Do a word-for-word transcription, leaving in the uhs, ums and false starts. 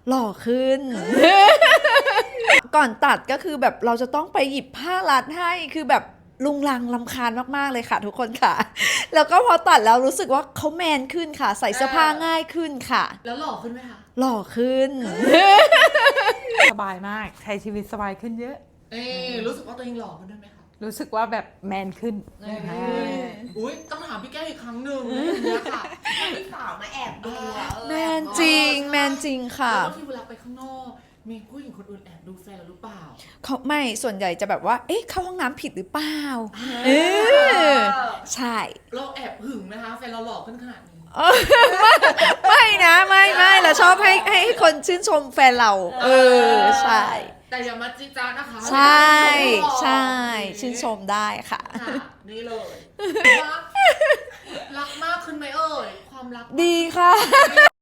หล่อขึ้น ก่อนตัดก็คือแบบเราจะต้องไปหยิบผ้ารัดให้คือแบบลุงลังลำคาญมากๆเลยค่ะทุกคนค่ะ แล้วก็พอตัดแล้วรู้สึกว่าเขาแมนขึ้นค่ะใส่เสื้อผ้าง่ายขึ้นค่ะแล้วหล่อขึ้นไหมคะหล่อขึ้นสบายมากใช้ชีวิตสบายขึ้นเยอะเอ๊รู้สึกว่าตัวเองหล่อขึ้นด้วยไหมคะรู้สึกว่าแบบแมนขึ้นอุ้ยต้องถามพี่แก้วอีกครั้งหนึ่งเนี่ยค่ะพี่สาวมาแอบดูอะเออแมนจริงแมนจริงค่ะแล้วบางทีเวลาไปข้างนอกมีผู้หญิงคนอื่นแอบดูแฟนเราหรือเปล่าเขาไม่ส่วนใหญ่จะแบบว่าเอ๊ะเข้าห้องน้ำผิดหรือเปล่าเออใช่เราแอบหึงไหมคะแฟนเราหล่อขึ้นขนาดนี้ไม่นะไม่ไม่เราชอบให้ให้คนชื่นชมแฟนเรา เออใช่แต่อย่ามาจิจ้านะคะใช่ใช่ชื่นชมได้ค่ะค่ะนี่เลยรักรักมากขึ้นไหมเอ่ยความรักดีค่ะ